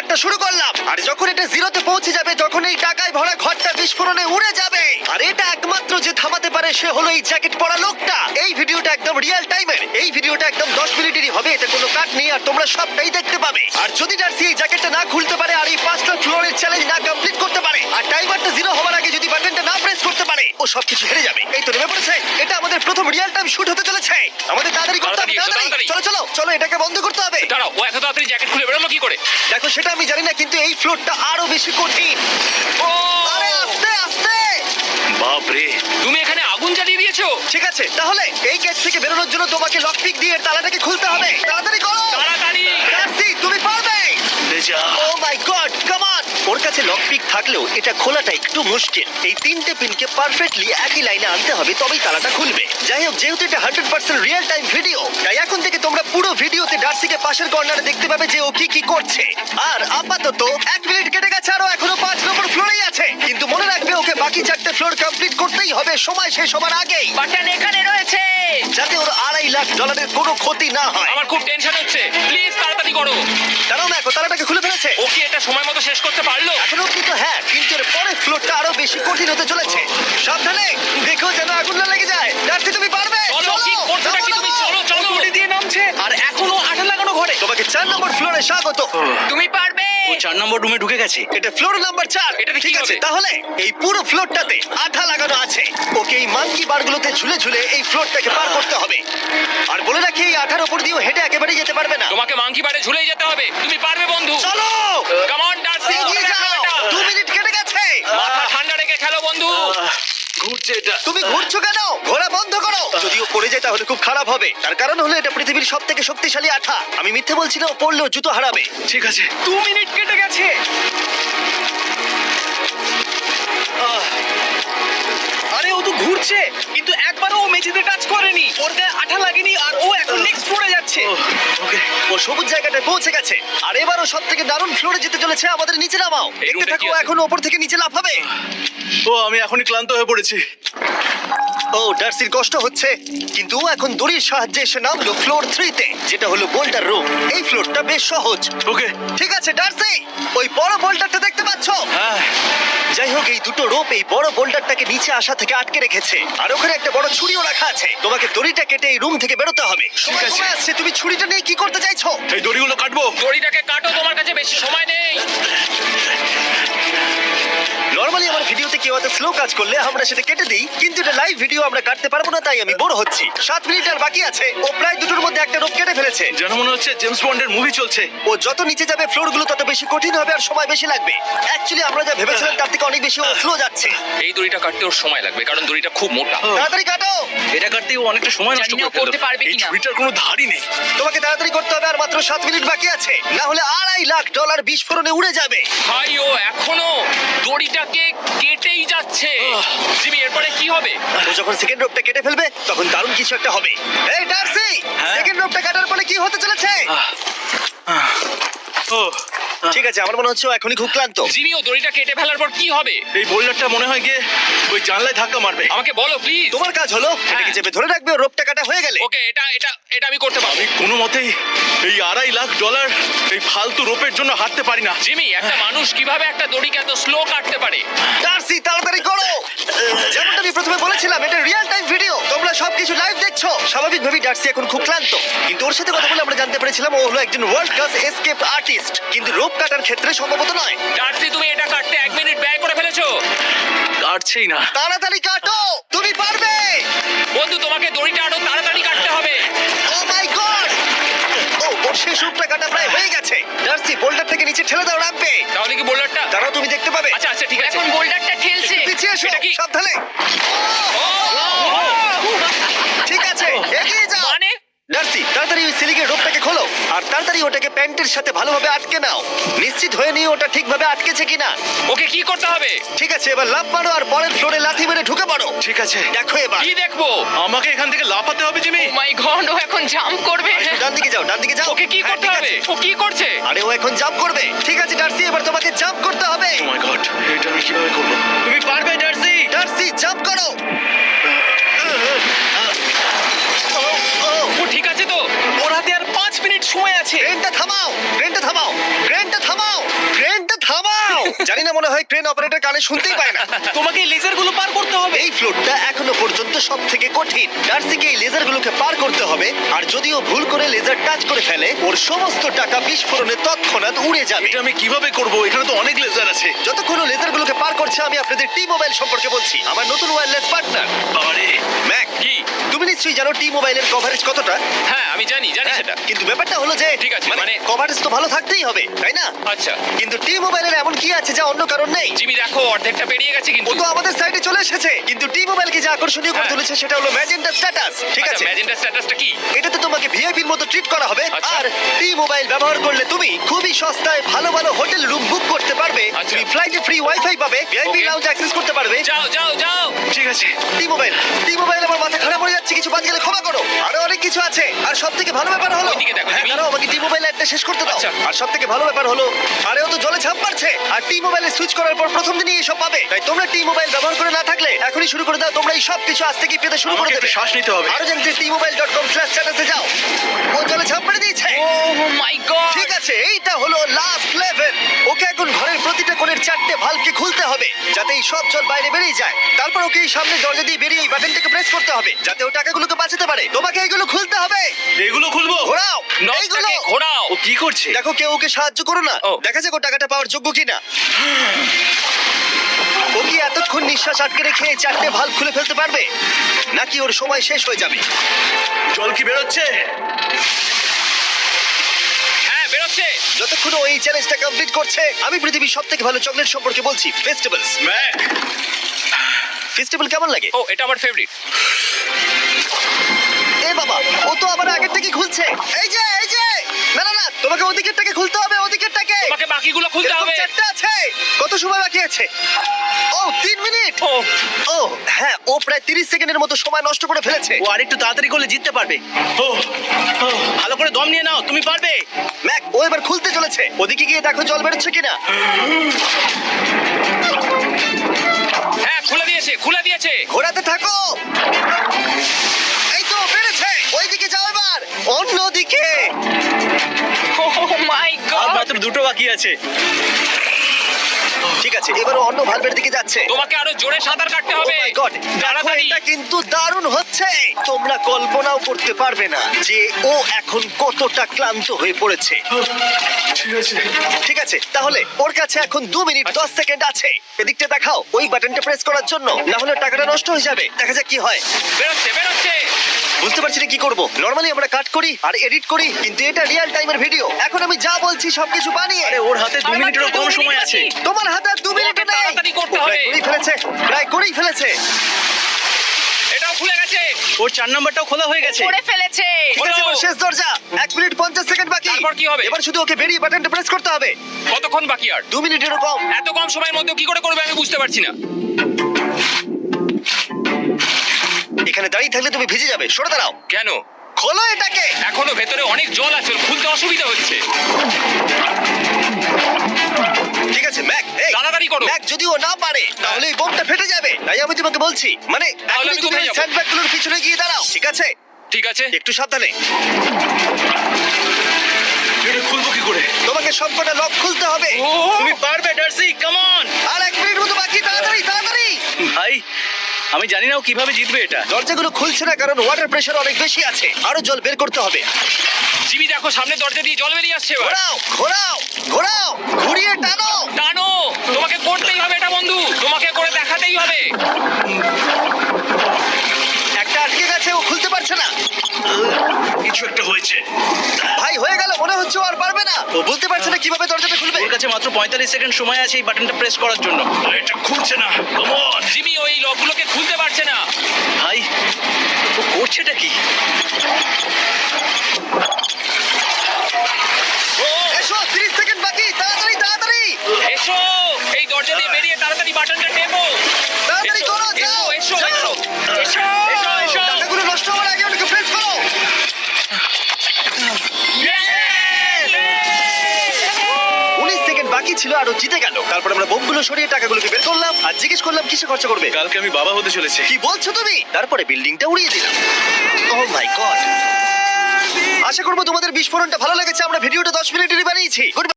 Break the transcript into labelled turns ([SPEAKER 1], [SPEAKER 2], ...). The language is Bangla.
[SPEAKER 1] ফ্লোরটা শুরু করলাম, আর যখন এটা জিরোতে পৌঁছে যাবে তখন এই টাকায় ভরা ঘরটা বিস্ফোরণে উড়ে যাবে। আর এটা একমাত্র যে থামাতে পারে সে হলো এই জ্যাকেট পরা লোকটা। এই ভিডিওটা একদম রিয়েল টাইমের, এই ভিডিওটা একদম 10 মিনিটেরই হবে, এতে কোনো কাট নেই আর তোমরা সবটাই দেখতে পাবে। আর যদি ডার্সি এই জ্যাকেটটা না খুলতে পারে আর এই 5টা ফ্লোরের চ্যালেঞ্জ না কমপ্লিট করতে পারে আর টাইমারটা জিরো হওয়ার আগে যদি বাটনটা না প্রেস করতে পারে, ও সবকিছু হেরে যাবে। এই তো নেমে পড়েছে, এটা আমাদের প্রথম রিয়েল টাইম শুট হতে চলেছে। আমাদের তাড়াতাড়ি করতে হবে, তাড়াতাড়ি চলো চলো চলো, এটাকে বন্ধ করতে হবে।
[SPEAKER 2] দাঁড়াও, ও এত তাড়াতাড়ি জ্যাকেট খুলে বেরোলো কি করে?
[SPEAKER 1] দেখো সেটা আমি জানি না, কিন্তু এই ফ্লোরটা আরো বেশি কঠিন।
[SPEAKER 2] ও
[SPEAKER 1] আরে আস্তে আস্তে।
[SPEAKER 2] বাপরে, তুমি এখানে আগুন জ্বালিয়ে দিয়েছো।
[SPEAKER 1] ঠিক আছে, তাহলে এই গেট থেকে বেরোনোর জন্য তোমাকে লকপিক দিয়ে তালাটাকে খুলতে হবে। তাড়াতাড়ি করো
[SPEAKER 2] তাড়াতাড়ি।
[SPEAKER 1] ডার্সি, তুমি পারবে। ও মাই গড, কাম অন। ওর কাছে লকপিক থাকলেও এটা খোলাটা একটু মুশকিল। এই 3টে পিনকে পারফেক্টলি একই লাইনে আনতে হবে, তবেই তালাটা খুলবে। যাই হোক, যেহেতু এটা 100% রিয়েল টাইম ভিডিও, তাই এখন থেকে তোমরা পুরো ভিডিওতে ডার্সিকে পাশের কর্নারে দেখতে পাবে যে ও কি কি করছে। আর আপাতত 1 মিনিট কেটে গেছে, আরো এখনো 5 নম্বর ফ্লোরেই আছে। কিন্তু মনে রাখবে ওকে বাকি 4টে ফ্লোর কমপ্লিট করতেই হবে সময় শেষ হবার আগেই,
[SPEAKER 3] বাটন এখানে রয়েছে।
[SPEAKER 1] যাতে ওর $2.5 লাখ কোনো ক্ষতি না হয়।
[SPEAKER 2] আমার খুব টেনশন হচ্ছে, প্লিজ তাড়াতাড়ি করো।
[SPEAKER 1] কারণ দেখো তালাটাকে খুলে ফেলেছে।
[SPEAKER 2] ও কি এটা সময় মতো শেষ করতে পারলো?
[SPEAKER 1] এখনো কিন্তু হ্যাঁ, কিন্তু এর পরের ফ্লোরটা আরো বেশি কঠিন হতে চলেছে। সাবধানে, দেখো যেন আগুন না লেগে যায়। ডার্সি, তুমি পারবে।
[SPEAKER 2] চলো, কি করছো নাকি তুমি? চলো চলো।
[SPEAKER 3] গুড়ি দিয়ে নামছে আর এখনো আঠা লাগানো ঘরে।
[SPEAKER 1] তোমাকে 4 নম্বর ফ্লোরে স্বাগত।
[SPEAKER 3] তুমি পারবে।
[SPEAKER 4] ও 4 নম্বর রুমে ঢুকে গেছে।
[SPEAKER 1] এটা ফ্লোর নাম্বার 4।
[SPEAKER 2] এটাতে কি
[SPEAKER 1] ঠিক আছে,
[SPEAKER 2] হবে?
[SPEAKER 1] তাহলে এই পুরো ফ্লোরটাতে আঠা লাগানো আছে। ওকে এই মাঙ্কি বারগুলোতে ঝুলে ঝুলে এই ফ্লোরটাকে পার করতে হবে। আর বলে রাখি, এই আঠার উপর দিয়েও হেঁটে একেবারেই যেতে পারবে না।
[SPEAKER 2] তোমাকে মাংকি বারে ঝুলেই যেতে হবে। তুমি পারবে বন্ধু।
[SPEAKER 1] চলো,
[SPEAKER 2] কাম অন ডার্সি,
[SPEAKER 1] এগিয়ে
[SPEAKER 2] দেখো
[SPEAKER 1] যাও।
[SPEAKER 2] এটা।
[SPEAKER 1] 2 মিনিট কেটে গেছে।
[SPEAKER 2] মাথা ঠান্ডা রেখে খেলো বন্ধু।
[SPEAKER 4] ঘুরছে এটা।
[SPEAKER 1] তুমি ঘুরছো কেন? ঘোরা বন্ধ করো। যদিও পড়ে যায় তাহলে খুব খারাপ হবে। তার কারণ হলো এটা পৃথিবীর সবথেকে শক্তিশালী আঠা। আমি মিথ্যে বলছি না, ও পড়লেও জুতো হারাবে।
[SPEAKER 4] ঠিক আছে।
[SPEAKER 3] 2 মিনিট কেটে গেছে। আরে ও তো ঘুরছে, কিন্তু একবারও ও মেঝেতে টাচ করেনি। ওর গায়ে আঠা লাগেনি আর ও এখন নেক্সট ফ্লোরে যাচ্ছে।
[SPEAKER 1] ওকে, ও সবুজ জায়গাটায় পৌঁছে গেছে। আর এবারও সবথেকে দারুণ ফ্লোরে যেতে চলেছে। আমাদের নিচে নামাও।
[SPEAKER 2] এই
[SPEAKER 1] দেখতে
[SPEAKER 2] রুমটা
[SPEAKER 1] থাকো,
[SPEAKER 2] কি আছে?
[SPEAKER 1] এখন ওপর থেকে নিচে লাফাবে।
[SPEAKER 4] ও আমি এখনই ক্লান্ত হয়ে পড়েছি।
[SPEAKER 1] ও ডার্সির কষ্ট হচ্ছে, কিন্তু ও এখন দড়ির সাহায্যে এসে নামলো ফ্লোর 3-তে, যেটা হলো বোল্টার রুম। এই ফ্লোরটা বেশ সহজ।
[SPEAKER 4] ওকে।
[SPEAKER 1] ঠিক আছে ডার্সি, ওই বড় বোল্টারটা দেখতে পাচ্ছো?
[SPEAKER 4] হ্যাঁ।
[SPEAKER 1] যাই হোক, এই দুটো রোপ এই বড় বোল্ডারটাকে নিচে আসা থেকে আটকে রেখেছে। আর ওখানে একটা বড় ছুরিও রাখা আছে। তোমাকে দড়িটা কেটে এই রুম থেকে বেরোতে হবে। সময়
[SPEAKER 4] আছে।
[SPEAKER 1] কমে আসছে, তুমি ছুরিটা নিয়ে কি করতে চাইছো?
[SPEAKER 4] এই দড়িগুলো কাটবো।
[SPEAKER 2] দড়িটাকে কাটো, তোমার কাছে বেশি সময় নেই।
[SPEAKER 1] নরমালি আমার ভিডিওতে কেউ এত স্লো কাজ করলে আমরা সেটা কেটে দিই, কিন্তু এটা লাইভ ভিডিও, আমরা কাটতে পারবো না, তাই আমি বোর হচ্ছি। 7 মিনিট আর বাকি আছে। ও প্রায় দুটোর মধ্যে একটা রোপ কেটে ফেলেছে।
[SPEAKER 4] যেন মনে হচ্ছে জেমস বন্ডের মুভি চলছে।
[SPEAKER 1] ও যত নিচে যাবে ফ্লোরগুলো তত বেশি কঠিন হবে আর সময় বেশি লাগবে। অ্যাকচুয়ালি আমরা যা ভেবেছিলাম তার থেকে অনেক বেশি ও স্লো যাচ্ছে।
[SPEAKER 2] এই দড়িটা কাটতে ওর সময় লাগবে, কারণ দড়িটা খুব মোটা।
[SPEAKER 1] তাড়াতাড়ি কাটো।
[SPEAKER 4] এটা কাটতে ও অনেকটা সময় নষ্ট
[SPEAKER 3] জানি না
[SPEAKER 4] করে ফেললো।
[SPEAKER 3] করতে পারবে
[SPEAKER 4] এই
[SPEAKER 3] কিনা।
[SPEAKER 4] ছুরিটার কোনো ধারই নেই।
[SPEAKER 1] তোমাকে তাড়াতাড়ি করতে হবে, আর মাত্র 7 মিনিট বাকি আছে, না হলে $2.5 লাখ বিস্ফোরণে উড়ে যাবে।
[SPEAKER 2] ভাই, ও এখনো দড়িটাকে কেটেই যাচ্ছে। জিমি, এরপরে কি হবে?
[SPEAKER 1] ও যখন সেকেন্ড রোপটা কেটে ফেলবে তখন দারুণ কিছু একটা হবে। এই ডার্সি,
[SPEAKER 4] হ্যাঁ?
[SPEAKER 1] সেকেন্ড রোপটা কাটার পরে কি হতে চলেছে?
[SPEAKER 4] ও
[SPEAKER 1] ঠিক আছে, আমার মনে হচ্ছে ও এখনই খুব ক্লান্ত।
[SPEAKER 2] জিমি, ও দড়িটা কেটে ফেলার পর কি হবে?
[SPEAKER 4] এই বোল্ডারটা মনে হয় গিয়ে ওই জানলায় ধাক্কা মারবে।
[SPEAKER 2] আমাকে বলো প্লিজ।
[SPEAKER 1] তোমার কাজ হলো এটাকে চেপে ধরে রাখবে, ও রোপটা কাটা হয়ে গেলে।
[SPEAKER 2] ওকে, এটা এটা এটা আমি করতে পারবো।
[SPEAKER 4] আমি কোনো মতেই এই $2.5 লাখ এই ফালতু রোপের জন্য হারতে পারি না।
[SPEAKER 2] জিমি, একটা মানুষ কিভাবে একটা দড়িকে এত স্লো কাটতে পারে?
[SPEAKER 1] ডার্সি, তাড়াতাড়ি করো। যেমনটা আমি প্রথমে বলেছিলাম, এটা রিয়েল টাইম ভিডিও, তোমরা সবকিছু লাইভ দেখছো। স্বাভাবিকভাবেই ডার্সি এখন খুব ক্লান্ত, কিন্তু ওর সাথে কথা বলে আমরা জানতে পেরেছিলাম ও হলো একজন ওয়ার্ল্ড ক্লাস এসকেপ আর্টিস্ট, কিন্তু রোপ কাটার ক্ষেত্রে সম্ভবত নয়।
[SPEAKER 2] ডার্সি, তুমি এটা কাটতে 1 মিনিট ব্যয় করে ফেলেছো।
[SPEAKER 4] কাটছেই না।
[SPEAKER 1] তাড়াতাড়ি কাটো, তুমি পারবে।
[SPEAKER 2] বন্ধু, তোমাকে দড়িটা আরো তাড়াতাড়ি কাটতে হবে।
[SPEAKER 1] ও মাই গড! ওর শেষ রূপটা কাটা প্রায় হয়ে গেছে। ডার্সি, বোল্ডার থেকে নিচে ঠেলে দাও রাম্পে।
[SPEAKER 2] তাহলে কি বোল্ডারটা?
[SPEAKER 1] দাঁড়াও, তুমি দেখতে পাবে।
[SPEAKER 2] আচ্ছা আচ্ছা, ঠিক আছে।
[SPEAKER 3] এখন বোল্ডারটা ঠেলছে।
[SPEAKER 1] পিছিয়ে এসো,
[SPEAKER 2] এটা কি?
[SPEAKER 1] সাবধানে। ঠিক আছে, এগিয়ে যাও।
[SPEAKER 2] মানে
[SPEAKER 1] ডার্সি, তাড়াতাড়ি ওই সিলিকের রোপটাকে খোলো আর তাড়াতাড়ি ওটাকে প্যান্টের সাথে ভালোভাবে আটকে নাও। নিশ্চিত হয়ে নিও ওটা ঠিকভাবে আটকেছে কিনা।
[SPEAKER 2] ওকে কি করতে হবে?
[SPEAKER 1] ঠিক আছে, এবার লাফ মারো আর পরের ফ্লোরে লাথি মেরে ঢুকে পড়ো।
[SPEAKER 4] ঠিক আছে।
[SPEAKER 1] দেখো এবার।
[SPEAKER 2] কি দেখবো?
[SPEAKER 4] আমাকে এখান থেকে লাফাতে হবে জিমি।
[SPEAKER 3] ও মাই গড, ও এখন জাম্প করবে।
[SPEAKER 1] ডান দিকে যাও, ডান দিকে যাও।
[SPEAKER 2] ওকে কি
[SPEAKER 1] হ্যাঁ,
[SPEAKER 2] করতে
[SPEAKER 1] ঠিক
[SPEAKER 2] হবে?
[SPEAKER 1] আছে।
[SPEAKER 2] ও কি করছে?
[SPEAKER 1] আরে ও এখন জাম্প করবে। ঠিক আছে ডার্সি, এবার তোমাকে জাম্প করতে হবে।
[SPEAKER 4] ও মাই গড, এটা আমি কিভাবে করব? তুমি পারবে ডার্সি।
[SPEAKER 1] ডার্সি, জাম্প করো।
[SPEAKER 2] ও ঠিক আছে তো?
[SPEAKER 3] ওর হাতে আর 5 মিনিট সময় আছে।
[SPEAKER 1] ট্রেনটা থামাও, ট্রেনটা থামাও, ট্রেনটা থামাও। জানি না, মনে হয় ক্রেন অপারেটর কানে শুনতেই পায় না।
[SPEAKER 3] তোমাকে লেজার গুলো পার করতে হবে।
[SPEAKER 1] এই ফ্লোরটা এখনো পর্যন্ত সব থেকে কঠিন। ডার্সিকে এই লেজারগুলোকে পার করতে হবে, আর যদিও ভুল করে লেজার টাচ করে ফেলে, ওর সমস্ত টাকা বিস্ফোরণে তৎক্ষণাৎ উড়ে যাবে।
[SPEAKER 4] এটা আমি কিভাবে করব? এখানে তো অনেক লেজার আছে।
[SPEAKER 1] যতক্ষণ ও লেজারগুলোকে পার করছে, আমি আপনাদের টি মোবাইল সম্পর্কে বলছি, আমার নতুন ওয়্যারলেস পার্টনার।
[SPEAKER 4] আরে
[SPEAKER 1] ম্যাক,
[SPEAKER 2] কি?
[SPEAKER 1] তুমি নিশ্চয়ই জানো টি মোবাইলের কভারেজ কতটা?
[SPEAKER 2] হ্যাঁ আমি জানি সেটা।
[SPEAKER 1] কিন্তু ব্যাপারটা হলো যে
[SPEAKER 2] ঠিক আছে, মানে
[SPEAKER 1] কভারেজ তো ভালো থাকতেই হবে, তাই না?
[SPEAKER 2] আচ্ছা
[SPEAKER 1] কিন্তু টি মোবাইলের এমন কি আছে যা অন্য কারণ নেই?
[SPEAKER 2] জিমি দেখো অর্ধেকটা পেরিয়ে গেছে
[SPEAKER 1] ও
[SPEAKER 2] কিন্তু।
[SPEAKER 1] তো আমাদের সাইডে চলে এসেছে, কিন্তু টি মোবাইলকে যে আকর্ষণীয় করে
[SPEAKER 2] হ্যাঁ।
[SPEAKER 1] তুলেছে সেটা হলো ম্যাজেন্টা স্ট্যাটাস। ঠিক আছে,
[SPEAKER 2] ম্যাজেন্টা স্ট্যাটাসটা কি?
[SPEAKER 1] এটাতে তোমাকে ভিআইপির মতো ট্রিট করা হবে।
[SPEAKER 2] আচ্ছা।
[SPEAKER 1] আর টি মোবাইল ব্যবহার করলে তুমি খুবই সস্তায় ভালো ভালো হোটেল রুম বুক করতে পারবে।
[SPEAKER 2] আচ্ছা।
[SPEAKER 1] তুমি ফ্লাইটে ফ্রি ওয়াইফাই পাবে, ভিআইপি
[SPEAKER 2] Okay.
[SPEAKER 1] লাউঞ্জ অ্যাক্সেস করতে পারবে।
[SPEAKER 2] যাও যাও যাও।
[SPEAKER 4] ঠিক আছে।
[SPEAKER 1] টি মোবাইল আমার মাথা খারাপ হয়ে যাচ্ছে, কিছু বাদ গেলে ক্ষমা করো। আরো অনেক কিছু আছে, আর সব থেকে ভালো ব্যাপার হলো,
[SPEAKER 2] ওইদিকে দেখো,
[SPEAKER 1] হ্যাঁ,
[SPEAKER 2] জিমি।
[SPEAKER 1] দাঁড়াও, আমাকে টি মোবাইল একটা শেষ করতে দাও।
[SPEAKER 2] আচ্ছা।
[SPEAKER 1] আর সব থেকে ভালো ব্যাপার হলো, আরে ও তো জলে ঝাঁপ মারছে, আর টি মোবাইলে সুইচ করার পর প্রথম দিনই এসব পাবে। তাই তোমরা টি মোবাইল ব্যবহার করে না থাকলে এখনই শুরু করে দাও। তোমরা এই সব কিছু আজ থেকেই পেতে শুরু করে
[SPEAKER 4] আমাকে
[SPEAKER 1] দেবে।
[SPEAKER 4] একটু শ্বাস নিতে হবে।
[SPEAKER 1] আরো জানতে tmobile.com/status এ যাও। ও জলে ঝাঁপ মেরে দিয়েছে।
[SPEAKER 2] Oh my god.
[SPEAKER 1] ঠিক আছে, এইটা হলো লাস্ট লেভেল। ওকে এখন ঘরের প্রতিটা কোণের 4টে ভালভকে খুলতে হবে, যাতে এই সব জল বাইরে বেরিয়ে যায়। তারপর ওকে এই সামনে দরজা দিয়ে বেরিয়ে এই বাটনটাকে প্রেস করতে হবে, যাতে ও টাকাগুলোকে বাঁচাতে পারে। তোমাকে এইগুলো খুলতে হবে।
[SPEAKER 4] এগুলো খুলবো?
[SPEAKER 1] ঘোরাও এইগুলো।
[SPEAKER 2] নটটাকে ঘোরাও।
[SPEAKER 4] ও কি করছে?
[SPEAKER 1] দেখো কেউ ওকে সাহায্য করো না,
[SPEAKER 2] ও।
[SPEAKER 1] দেখা যাক ও টাকাটা পাওয়ার যোগ্য কিনা। ও কি এতক্ষণ নিঃশ্বাস আটকে রেখে এই 4টে ভালভ খুলে ফেলতে পারবে, নাকি ওর সময় শেষ হয়ে যাবে?
[SPEAKER 4] জল কি বেরোচ্ছে?
[SPEAKER 2] হ্যাঁ বেরোচ্ছে।
[SPEAKER 1] যতক্ষণ ও এই চ্যালেঞ্জটা কমপ্লিট করছে, আমি পৃথিবীর সবথেকে ভালো চকলেট সম্পর্কে বলছি, ফেস্টিভ্যালস।
[SPEAKER 4] ম্যাক,
[SPEAKER 1] ফেস্টিভ্যাল কেমন লাগে?
[SPEAKER 2] ও এটা আমার ফেভারিট।
[SPEAKER 1] এ বাবা, ও তো আবার আগেরটাকে খুলছে। এই যে না না না, তোমাকে ওদিকেরটাকে খুলতে হবে, ওদিকেরটাকে।
[SPEAKER 2] তোমাকে বাকিগুলো খুলতে
[SPEAKER 1] এরকম
[SPEAKER 2] হবে।
[SPEAKER 1] 4টে আছে। কত সময় বাকি আছে? ও 3 মিনিট।
[SPEAKER 2] ও
[SPEAKER 1] ও হ্যাঁ, ও প্রায় 30 সেকেন্ডের মতো সময় নষ্ট করে ফেলেছে।
[SPEAKER 3] ও আরেকটু তাড়াতাড়ি করলে জিততে পারবে।
[SPEAKER 4] ও, ও,
[SPEAKER 3] ভালো করে দম নিয়ে নাও, তুমি পারবে।
[SPEAKER 1] ম্যাক, ও এবার খুলতে চলেছে। ওদিকে গিয়ে দেখো জল বেরোচ্ছে কিনা।
[SPEAKER 2] হ্যাঁ খুলে দিয়েছে।
[SPEAKER 1] ঘোরাতে থাকো। এই তো বেড়েছে। ওইদিকে যাও এবার। অন্যদিকে।
[SPEAKER 2] ও মাই
[SPEAKER 3] আর
[SPEAKER 2] গড।
[SPEAKER 3] মাত্র দুটো বাকি আছে।
[SPEAKER 1] ঠিক আছে, এবার ও অন্য ভালভের দিকে যাচ্ছে।
[SPEAKER 2] তোমাকে আরো জোরে সাঁতার কাটতে
[SPEAKER 1] Oh
[SPEAKER 2] হবে।
[SPEAKER 1] my God, দেখো,
[SPEAKER 2] তাড়াতাড়ি।
[SPEAKER 1] এটা কিন্তু দারুণ হচ্ছে। তোমরা কল্পনাও করতে পারবে না যে ও এখন কতটা ক্লান্ত হয়ে পড়েছে।
[SPEAKER 4] ঠিক আছে।
[SPEAKER 1] ঠিক আছে, তাহলে ওর কাছে এখন 2 মিনিট 10 সেকেন্ড আছে। এদিকটা দেখাও, ওই বাটনটা প্রেস করার জন্য, না হলে টাকাটা নষ্ট হয়ে যাবে। দেখা যাক কি হয়।
[SPEAKER 2] বেরোচ্ছে।
[SPEAKER 1] বুঝতে পারছি না কি করব। নরমালি আমরা কাট করি আর এডিট করি, কিন্তু এটা রিয়েল টাইমের ভিডিও। এখন আমি যা বলছি সবকিছু বানিয়ে।
[SPEAKER 3] আরে ওর হাতে 2 মিনিটেরও কম সময় আছে।
[SPEAKER 1] তোমার হাতে আর 2 মিনিট
[SPEAKER 2] তোমাকে
[SPEAKER 1] নেই।
[SPEAKER 2] তাড়াতাড়ি করতে হবে।
[SPEAKER 1] প্রায় করেই ফেলেছে।
[SPEAKER 2] এটাও খুলে গেছে।
[SPEAKER 3] ওর 4 নাম্বারটাও খোলা হয়ে গেছে।
[SPEAKER 2] করে ফেলেছে।
[SPEAKER 1] ঠিক আছে, এবার শেষ দরজা। 1 মিনিট 50 সেকেন্ড বাকি।
[SPEAKER 2] তারপর কি হবে?
[SPEAKER 1] এবার শুধু ওকে বেরিয়ে বাটনটা প্রেস করতে হবে।
[SPEAKER 2] কতক্ষণ বাকি আর?
[SPEAKER 1] 2 মিনিটেরও কম।
[SPEAKER 2] এত কম সময়ের মধ্যে কি করে করবে আমি বুঝতে পারছি না।
[SPEAKER 1] এখানে দাঁড়িয়ে থাকলে তুমি ভিজে যাবে, সরে দাঁড়াও।
[SPEAKER 2] কেন?
[SPEAKER 1] খোলো এটাকে।
[SPEAKER 2] এখনো ভেতরে অনেক জল আছে, খুলতে অসুবিধা হচ্ছে।
[SPEAKER 1] ঠিক আছে ম্যাক, এই
[SPEAKER 2] তাড়াতাড়ি করো।
[SPEAKER 1] ম্যাক, যদি ও না পারে তাহলে এই বোমটা ফেটে যাবে। তাই আমি তোমাকে বলছি, মানে
[SPEAKER 2] তাহলে
[SPEAKER 1] এখনই
[SPEAKER 2] আমি
[SPEAKER 1] তুমি
[SPEAKER 2] কোথায়
[SPEAKER 1] ওই
[SPEAKER 2] যাবো?
[SPEAKER 1] স্যান্ডব্যাগগুলোর পিছনে গিয়ে দাঁড়াও, ঠিক আছে?
[SPEAKER 2] ঠিক আছে।
[SPEAKER 1] একটু সাবধানে।
[SPEAKER 4] এটা খুলবো কি করে?
[SPEAKER 1] তোমাকে সবকটা লক খুলতে হবে।
[SPEAKER 2] ও
[SPEAKER 3] তুমি পারবে ডার্সি, কাম অন।
[SPEAKER 1] আর 1 মিনিট মতো বাকি, তাড়াতাড়ি।
[SPEAKER 3] ভাই আমি জানি না ও কিভাবে জিতবে এটা।
[SPEAKER 1] দরজাগুলো খুলছে না কারণ ওয়াটার প্রেশার অনেক বেশি আছে। আরো জল বের করতে হবে।
[SPEAKER 2] জিমি দেখো সামনে দরজা দিয়ে জল বেরিয়ে আসছে এবার।
[SPEAKER 1] ঘোরাও, ঘুরিয়ে টানো।
[SPEAKER 2] টানো। তোমাকে করতেই হবে এটা বন্ধু, তোমাকে করে দেখাতেই হবে।
[SPEAKER 1] একটা আটকে গেছে, ও খুলতে পারছে না।
[SPEAKER 4] কিছু একটা হয়েছে।
[SPEAKER 1] ভাই হয়ে গেল, মনে হচ্ছে ও আর পারবে না। ও বুঝতে পারছে না কিভাবে দরজাটা খুলবে।
[SPEAKER 3] ওর কাছে মাত্র 45 সেকেন্ড সময় আছে এই বাটনটা প্রেস করার জন্য।
[SPEAKER 4] এটা খুলছে না। Come on.
[SPEAKER 2] জিমি ওই লকগুলোকে খুলতে পারছে না।
[SPEAKER 3] ভাই ও করছেটা কি?
[SPEAKER 2] ও
[SPEAKER 1] এসো, 30 সেকেন্ড বাকি, তাড়াতাড়ি।
[SPEAKER 2] এসো, এই দরজা দিয়ে বেরিয়ে তাড়াতাড়ি বাটনটা টেপো।
[SPEAKER 1] তাড়াতাড়ি করো, যাও।
[SPEAKER 2] এসো।
[SPEAKER 1] টাকাগুলো নষ্ট হওয়ার আগে ওটাকে প্রেস করো। 19 সেকেন্ড বাকি ছিল আর ও জিতে গেল। তারপর আমরা বোমগুলো সরিয়ে টাকাগুলোকে বের করলাম আর জিজ্ঞেস করলাম কিসে খরচা করবে।
[SPEAKER 4] কালকে আমি বাবা হতে চলেছি।
[SPEAKER 1] কি বলছো তুমি? তারপরে বিল্ডিংটা উড়িয়ে দিলাম। ও মাই গড। আশা করবো তোমাদের বিস্ফোরণটা ভালো লেগেছে। আমরা ভিডিওটা 10 মিনিটেরই বানিয়েছি।